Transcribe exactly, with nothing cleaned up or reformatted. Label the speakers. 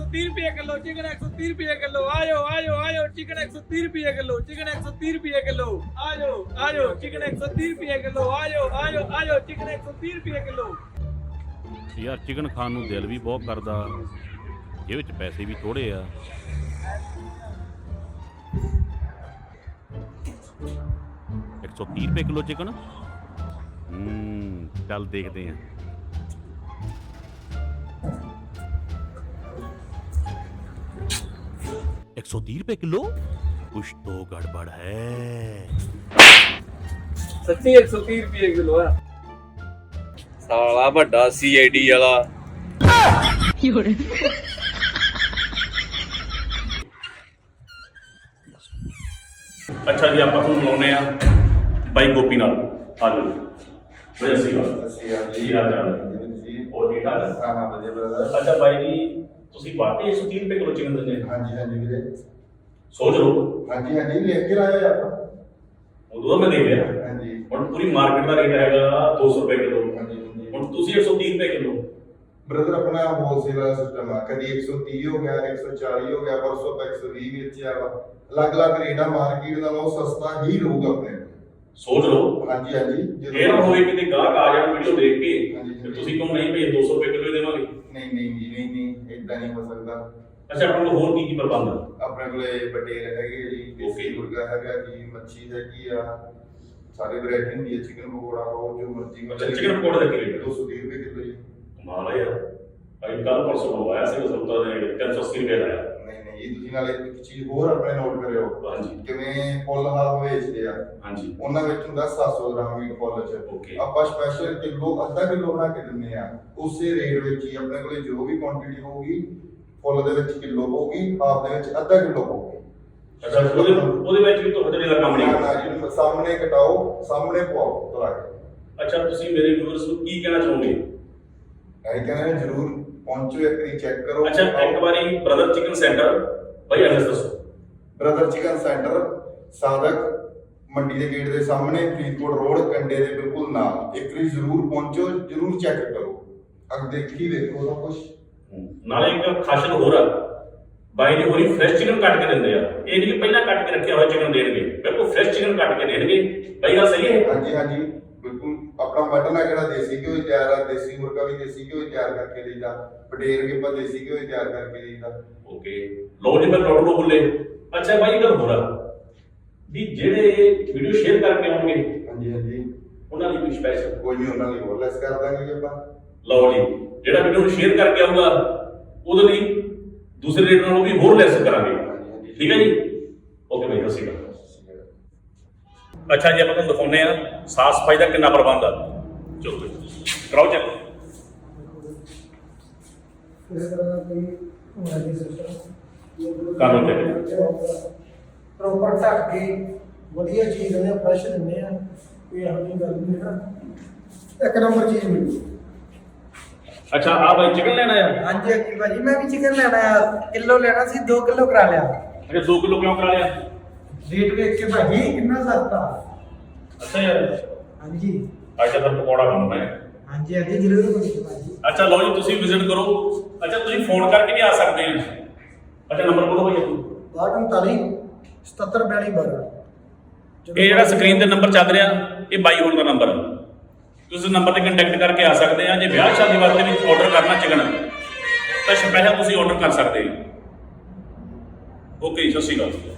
Speaker 1: तीस रुपये kilo chicken एक सौ तीस रुपये किलो आयो आयो आयो चिकन एक सौ तीस रुपये किलो चिकन एक सौ तीस रुपये किलो आयो आयो चिकन एक सौ तीस रुपये किलो आयो आयो आयो चिकन एक सौ तीस रुपये किलो।
Speaker 2: ਯਾਰ ਚਿਕਨ ਖਾਣ ਨੂੰ ਦਿਲ ਵੀ ਬਹੁਤ ਕਰਦਾ, ਇਹ ਵਿੱਚ ਪੈਸੇ ਵੀ ਥੋੜੇ ਆ। ਇੱਕ ਸੌ ਤੀਹ ਰੁਪਏ ਕਿਲੋ ਚਿਕਨ। ਹੂੰ ਚੱਲ ਦੇਖਦੇ ਆ। एक सौ तीस रुपए किलो, कुछ तो गड़बड़ है।
Speaker 1: सच्ची एक सौ तीस रुपये किलो है साला बड़ा सी आई डी वाला।
Speaker 2: अच्छा जी ਆਪਾਂ ਤੁਹਾਨੂੰ ਮਿਲਾਉਂਦੇ ਆ ਬਾਈ ਗੋਪੀ ਨਾਲ। ਆ ਜਾਓ ਬਈ। ਅਸੀਂ ਜੀ ਆ ਜਾ ਜੀ ਉਹ ਠੀਕ ਠਾਕ।
Speaker 3: ਹਾਂ ਹਾਂ ਵਧੀਆ ਬ੍ਰਦਰ।
Speaker 2: ਅੱਛਾ ਬਾਈ ਜੀ ਤੁਸੀਂ ਵਾਕਈ एक सौ तीस ਰੁਪਏ ਕਿਲੋ ਚਿਕਨ ਦਿੰਦੇ?
Speaker 3: ਹਾਂਜੀ ਹਾਂਜੀ ਵੀਰੇ।
Speaker 2: ਸੋਚ ਲਓ।
Speaker 3: ਹਾਂਜੀ ਹਾਂਜੀ ਲਿਖ ਕੇ ਲਾਇਆ ਆਪਾਂ।
Speaker 2: ਉਦੋਂ ਮੈਂ ਦੇਖ ਲਿਆ।
Speaker 3: ਹਾਂਜੀ
Speaker 2: ਹੁਣ ਪੂਰੀ ਮਾਰਕੀਟ ਦਾ ਰੇਟ ਹੈਗਾ ਦੋ ਸੌ ਰੁਪਏ ਕਿਲੋ।
Speaker 3: ਹਾਂਜੀ ਹਾਂਜੀ।
Speaker 2: ਹੁਣ ਤੁਸੀਂ एक सौ तीस ਰੁਪਏ ਕਿਲੋ।
Speaker 3: ਬ੍ਰਦਰ ਆਪਣਾ ਹੋਲਸੇਲ ਦਾ ਸਿਸਟਮ ਆ, ਕਦੀ एक सौ तीस ਹੋ ਗਿਆ, एक सौ चालीस ਹੋ ਗਿਆ, ਪਰਸੋਂ ਤੱਕ एक सौ बीस ਵੇਚਿਆ ਵਾ। ਅਲੱਗ-ਅਲੱਗ ਰੇਟ ਆ, ਮਾਰਕੀਟ ਨਾਲੋਂ ਸਸਤਾ ਹੀ ਰਹੂਗਾ ਆਪਣੇ ਕੋਲ।
Speaker 2: ਸੋਚ ਲਓ।
Speaker 3: ਹਾਂਜੀ ਹਾਂਜੀ
Speaker 2: ਇਹ ਨਾ ਹੋਵੇ ਕਿਤੇ ਗਾਹਕ ਆ ਜਾਣ ਵੀਡੀਓ ਦੇਖ ਕੇ
Speaker 3: ਹਾਂਜੀ,
Speaker 2: ਤੇ ਤੁਸੀਂ ਕਹੋ ਨਹੀਂ ਭਈ ਦੋ ਸੌ ਰੁਪਏ ਕਿਲੋ ਦੇਵਾਂਗੇ।
Speaker 3: ਨਹੀਂ ਨਹੀਂ ਜੀ ਨਹੀਂ ਨਹੀਂ ਇਦਾਂ ਨਹੀਂ ਹੋ ਸਕਦਾ।
Speaker 2: ਅੱਛਾ ਆਪਣੇ ਕੋਲ ਹੋਰ ਕੀ ਕੀ ਪ੍ਰਬੰਧ ਆ?
Speaker 3: ਆਪਣੇ ਕੋਲੇ ਬਟੇਰ ਹੈਗੇ ਜੀ, ਦੇਸੀ ਮੁਰਗਾ ਹੈਗਾ ਜੀ, ਮੱਛੀ ਹੈਗੀ ਆ, ਸਾਰੇ ਵੈਰਾਈਟੀ ਹੁੰਦੀ ਹੈ। ਚਿਕਨ ਪਕੌੜਾ ਹੋ ਜੋ ਮਰਜ਼ੀ।
Speaker 2: ਅੱਛਾ ਚਿਕਨ ਪਕੌੜੇ ਦਾ ਕੀ ਰੇਟ ਹੈ?
Speaker 3: ਦੋ ਸੌ ਤੀਹ ਰੁਪਏ ਕਿਲੋ ਜੀ।
Speaker 2: ਕਮਾਲ ਹੈ ਯਾਰ। ਭਾਈ ਕੱਲ ਪਰਸੋਂ ਮੰਗਵਾਇਆ ਸੀ ਉਸ ਤੋਂ ਤਿੰਨ ਸੌ ਅੱਸੀ ਰੁਪਏ ਲਾਇਆ।
Speaker 3: ਨਹੀਂ ਨਹੀਂ ਜੀ ਤੁਸੀਂ ਨਾਲੇ ਇੱਕ ਚੀਜ਼ ਹੋਰ ਆਪਣੇ ਨੋਟ ਕਰਿਓ।
Speaker 2: ਹਾਂਜੀ
Speaker 3: ਕਿਵੇਂ ਫੁੱਲ ਹਾਲ ਵੇਚਦੇ ਆ,
Speaker 2: ਹਾਂਜੀ
Speaker 3: ਉਹਨਾਂ ਵਿੱਚ ਹੁੰਦਾ ਸੱਤ ਸੌ ਗ੍ਰਾਮ ਮੀਟ ਫੁੱਲ ਚ।
Speaker 2: ਓਕੇ
Speaker 3: ਆਪਾਂ ਸਪੈਸ਼ਲ ਕਿਲੋ ਅੱਧਾ ਕਿਲੋ ਬਣਾ ਕੇ ਦਿੰਦੇ ਆ। ਉਸੇ ਰੇਟ ਵਿੱਚ ਹੀ ਆਪਣੇ ਕੋਲੇ ਜੋ ਵੀ ਕੁਆਂਟੀਟੀ ਹੋਊਗੀ ਫੁੱਲ ਦੇ ਵਿੱਚ ਕਿਲੋ ਹੋਊਗੀ, ਹਾਫ ਦੇ ਵਿੱਚ ਅੱਧਾ ਕਿਲੋ ਹੋਊਗੀ।
Speaker 2: ਅੱਛਾ ਉਹਦੇ ਉਹਦੇ ਵਿੱਚ ਵੀ ਤੁਹਾਡੇ ਦਾ ਕੰਮ ਨਹੀਂ
Speaker 3: ਨਾ ਜੀ, ਸਾਹਮਣੇ ਕਟਾਓ, ਸਾਹਮਣੇ ਪਵਾਓ ਤਲਾ ਕੇ।
Speaker 2: ਅੱਛਾ ਤੁਸੀਂ ਮੇਰੇ ਵਿਊਅਰਸ ਨੂੰ ਕੀ ਕਹਿਣਾ ਚਾਹੋਗੇ?
Speaker 3: ਇਹ ਕਹਿੰਦੇ ਨੇ ਜਰੂਰ ਪਹੁੰਚੋ, ਇੱਕ ਵਾਰੀ ਚੈੱਕ ਕਰੋ।
Speaker 2: ਅੱਛਾ ਇੱਕ ਵਾਰੀ ਬ੍ਰਦਰ ਚਿਕਨ ਸੈਂਟਰ ਭਾਈ ਐਡਰੈਸ ਦੱਸੋ।
Speaker 3: ਬ੍ਰਦਰ ਚਿਕਨ ਸੈਂਟਰ ਸਾਦਕ ਮੰਡੀ ਦੇ ਗੇਟ ਦੇ ਸਾਹਮਣੇ, ਫਰੀਦਕੋਟ ਰੋਡ, ਕੰਡੇ ਦੇ ਬਿਲਕੁਲ ਨਾਲ। ਇੱਕ ਵਾਰੀ ਜਰੂਰ ਪਹੁੰਚੋ, ਜਰੂਰ ਚੈੱਕ ਕਰੋ, ਅੱਗ ਦੇਖੀ ਵੇਖੋ ਸਭ ਕੁਝ।
Speaker 2: ਨਾਲੇ ਇੱਕ ਖਾਸੀਅਤ ਹੋਰ ਆ, ਬਾਈ ਜੀ ਹੋਰੀ ਫਰੈਸ਼ ਚਿਕਨ ਕੱਟ ਕੇ ਦਿੰਦੇ ਆ। ਇਹ ਨਹੀਂ ਕਿ ਪਹਿਲਾਂ ਕੱਟ ਕੇ ਰੱਖਿਆ ਹੋਇਆ ਚਿਕਨ ਦੇਣਗੇ, ਬਿਲਕੁਲ ਫਰੈਸ਼ ਚਿਕਨ ਕੱਟ ਕੇ ਦੇਣਗੇ। ਬਾਈ ਗੱਲ ਸਹੀ ਹੈ?
Speaker 3: ਹਾਂਜੀ ਹਾਂਜੀ ਬਿਲਕੁਲ। ਆਪਣਾ ਮਟਨ ਆ ਜਿਹੜਾ ਦੇਸੀ ਘਿਓ ਹੀ ਤਿਆਰ ਆ, ਦੇਸੀ ਮੁਰਗਾ ਵੀ ਦੇਸੀ ਘਿਓ ਹੀ ਤਿਆਰ ਕਰਕੇ ਦੇਈਦਾ, ਬਟੇਰ ਵੀ ਆਪਾਂ ਦੇਸੀ ਘਿਓ ਹੀ ਤਿਆਰ ਕਰਕੇ ਦੇਈਦਾ।
Speaker 2: ਓਕੇ ਲਓ ਜੀ ਮੈਂ ਤੁਹਾਡੇ ਨੂੰ ਬੋਲੇ। ਅੱਛਾ ਬਾਈ ਇਹ ਗੱਲ ਹੋਰ ਆ ਵੀ ਜਿਹੜੇ ਵੀਡੀਓ ਸ਼ੇਅਰ ਕਰਕੇ ਆਉਣਗੇ
Speaker 3: ਹਾਂਜੀ ਹਾਂਜੀ
Speaker 2: ਉਹਨਾਂ ਲਈ ਕੋਈ ਸਪੈਸ਼ਲ?
Speaker 3: ਕੋਈ ਨਹੀਂ, ਉਹਨਾਂ ਲਈ ਹੋਰ ਲੈਸ ਕਰ ਦਾਂਗੇ ਜੀ ਆਪਾਂ।
Speaker 2: ਲਓ ਜੀ ਜਿਹੜਾ ਵੀਡੀਓ ਨੂੰ ਸ਼ੇਅਰ ਕਰਕੇ ਆਊਗਾ ਉਹਦੇ ਲਈ ਦੂਸਰੇ ਰੇਟ ਨਾਲੋਂ ਵੀ ਹੋਰ ਲੈਸ ਕਰਾਂਗੇ। ਠੀਕ ਹੈ ਜੀ? ਓਕੇ ਬਾਈ ਸਤਿ ਸ਼੍ਰੀ ਅਕਾਲ। ਅੱਛਾ ਜੀ ਆਪਾਂ ਤੁਹਾਨੂੰ ਦਿਖਾਉਂਦੇ ਆ ਸਾਫ ਸਫਾਈ ਦਾ ਕਿੰਨਾ ਪ੍ਰਬੰਧ ਆ। ਚਲੋ ਕਰਾਓ ਚੈੱਕ। ਕਰ ਲਓ ਚੈੱਕ।
Speaker 4: ਪ੍ਰੋਪਰ ਢੱਕ ਕੇ ਵਧੀਆ ਚੀਜ਼ ਦਿੰਦੇ ਆ, ਫਰੈਸ਼ ਦਿੰਦੇ ਆ, ਕੋਈ ਇਹੋ ਜਿਹੀ ਗੱਲ ਨਹੀਂ ਹੈ। ਇੱਕ ਨੰਬਰ ਚੀਜ਼ ਮਿਲੂ।
Speaker 2: ਅੱਛਾ ਆ ਬਾਈ ਚਿਕਨ ਲੈਣਾ ਆ?
Speaker 4: ਹਾਂਜੀ ਅੱਕੀ ਭਾਜੀ ਮੈਂ ਵੀ ਚਿਕਨ ਲੈਣਾ ਆ, ਕਿਲੋ ਲੈਣਾ ਸੀ, ਦੋ ਕਿਲੋ ਕਰਾ ਲਿਆ।
Speaker 2: ਅੱਛਾ ਦੋ ਕਿਲੋ ਕਿਉਂ ਕਰਾ ਲਿਆ?
Speaker 4: ਰੇਟ ਵੇਖ ਕੇ ਭਾਜੀ ਕਿੰਨਾ ਸਸਤਾ।
Speaker 2: ਅੱਛਾ ਯਾਰ
Speaker 4: ਹਾਂਜੀ
Speaker 2: ਅੱਜ ਤਾਂ ਪਕੌੜਾ ਬਣਾਉਣਾ ਹੈ।
Speaker 4: ਹਾਂਜੀ ਹਾਂਜੀ ਜ਼ਰੂਰ ਭਾਜੀ।
Speaker 2: ਅੱਛਾ ਲਓ ਜੀ ਤੁਸੀਂ ਵਿਜ਼ਿਟ ਕਰੋ। ਅੱਛਾ ਤੁਸੀਂ ਫੋਨ ਕਰਕੇ ਵੀ ਆ ਸਕਦੇ ਆ। ਅੱਛਾ ਨੰਬਰ ਬੋਲੋ ਭਾਈ ਆਪਣਾ।
Speaker 4: ਬਾਹਠ ਉਨਤਾਲੀ ਸਤੱਤਰ ਬਿਆਲੀ ਬਾਰਾਂ।
Speaker 2: ਇਹ ਜਿਹੜਾ ਸਕਰੀਨ ਤੇ ਨੰਬਰ ਚੱਲ ਰਿਹਾ ਇਹ ਬਾਈ ਹੋਣ ਦਾ ਨੰਬਰ ਹੈ। ਤੁਸੀਂ ਨੰਬਰ ਤੇ ਕੰਟੈਕਟ ਕਰਕੇ ਆ ਸਕਦੇ ਆ। ਜੇ ਵਿਆਹ ਸ਼ਾਦੀ ਵਾਸਤੇ ਵੀ ਆਰਡਰ ਕਰਨਾ ਚਿਕਨ ਤਾਂ ਸਪੈਸ਼ਲ ਤੁਸੀਂ ਆਰਡਰ ਕਰ ਸਕਦੇ ਹੋ। ਓਕੇ ਜੀ ਸਤਿ ਸ਼੍ਰੀ ਅਕਾਲ।